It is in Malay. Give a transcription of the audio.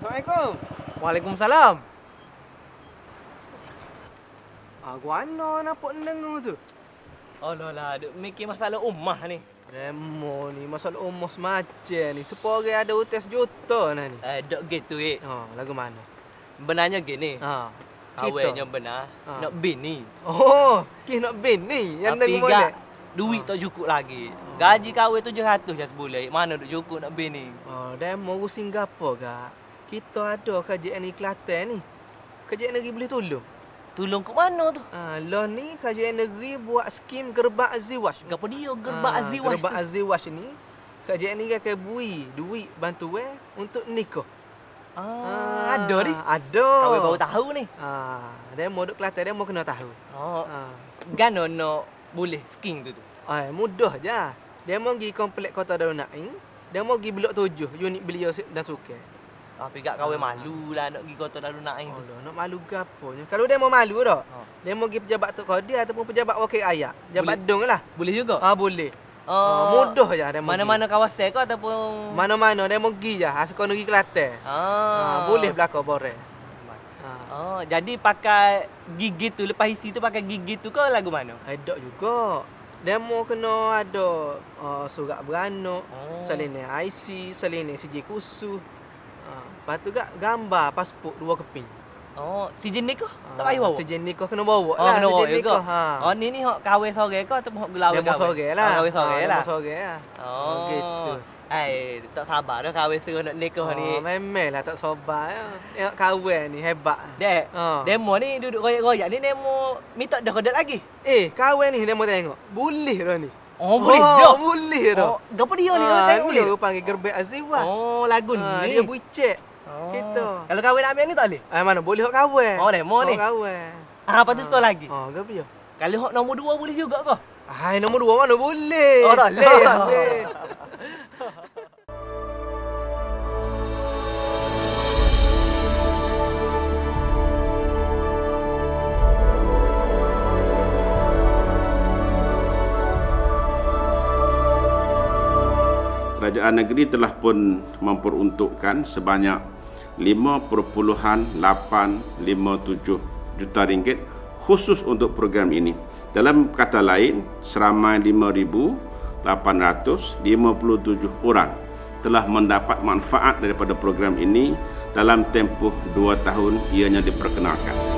Assalamualaikum. Waalaikumsalam. Gua ana nampak dengar tu. Alah lah, duk mikir masalah rumah ni. Demo ni masalah umur semacam ni. Sepuluh orang ada utas juta nah ni. Dok gitu Lagu mana? Benarnya gini. Ha. Kawannya benar nak bini. Oh, nak bini yang Tapi dengar molek. Duit tak cukup lagi. Gaji kahwin 700 je sebulan. Mana duk cukup nak bini? Demo Singapura gak. Kita ada kerajaan ni Kelantan ni. Kerajaan negeri boleh tolong. Tolong ke mana tu? Lah ni kerajaan negeri buat skim gerbak aziwaj. Gapo dia gerbak aziwaj? Gerbak aziwaj ni kerajaan ni akan beri duit bantuan untuk nikah. Ada ni. Ada. Kau baru tahu ni. Demo duk Kelantan demo kena tahu. Gano no boleh skim tu. Mudah je. Demo pergi komplek Kota Darul Naim. Demo pergi blok 7 unit Belia dan Sukan. Tapi gak kau malu lah nak pergi Kota Darul Naim tu. Nak malu gaponya. Kalau demo malu dah. Demo pergi pejabat Tok Qadir ataupun pejabat wakil rakyat. Pejabat dong lah. Boleh juga? Boleh. Mudah je demo. Mana-mana kawasan ke ataupun mana-mana demo pergi je. Asal negeri Kelantan. Boleh belaka boreh. Jadi pakai gigi tu lepas isi tu pakai gigi tu ke lagu mana? Ada juga. Demo kena ada surat beranak, salinan IC, salinan CJ khusus. Lepas tu gambar pasport 2 keping. Sejen nikah tak payah bawa? Sejen nikah kena bawa lah. Kena bawa sejen nikah. Ni hok kahwin sore ke ataupun hok gelawai kahwin? Demo sore lah. Kahwin sore lah. Demo sore lah. Gitu. Tak sabar dah kahwin seru nak nikah ni. Memanglah tak sabar. Tengok kahwin ni hebat. Dek, demo ni duduk royak-royak ni demo minta dah kodak lagi. Kahwin ni demo tengok. Boleh dah ni. Boleh dah. Boleh dah. Gapo dia ni tengok ni? Dia panggil gerbek aziwah. Lagu ni. Dia buicek. Gitu. Kalau kahwin nak ambil ni tak boleh? Mana boleh hok kahwin. Demo ni. Kahwin. Apa tu store lagi? Gapo dia? Kalau hok nombor 2 boleh juga ke? Nombor 2 mana boleh. Tak boleh. Tak boleh. Kerajaan negeri telah pun memperuntukkan sebanyak 5.857 juta ringgit khusus untuk program ini. Dalam kata lain, seramai 5,857 orang telah mendapat manfaat daripada program ini dalam tempoh 2 tahun ianya diperkenalkan.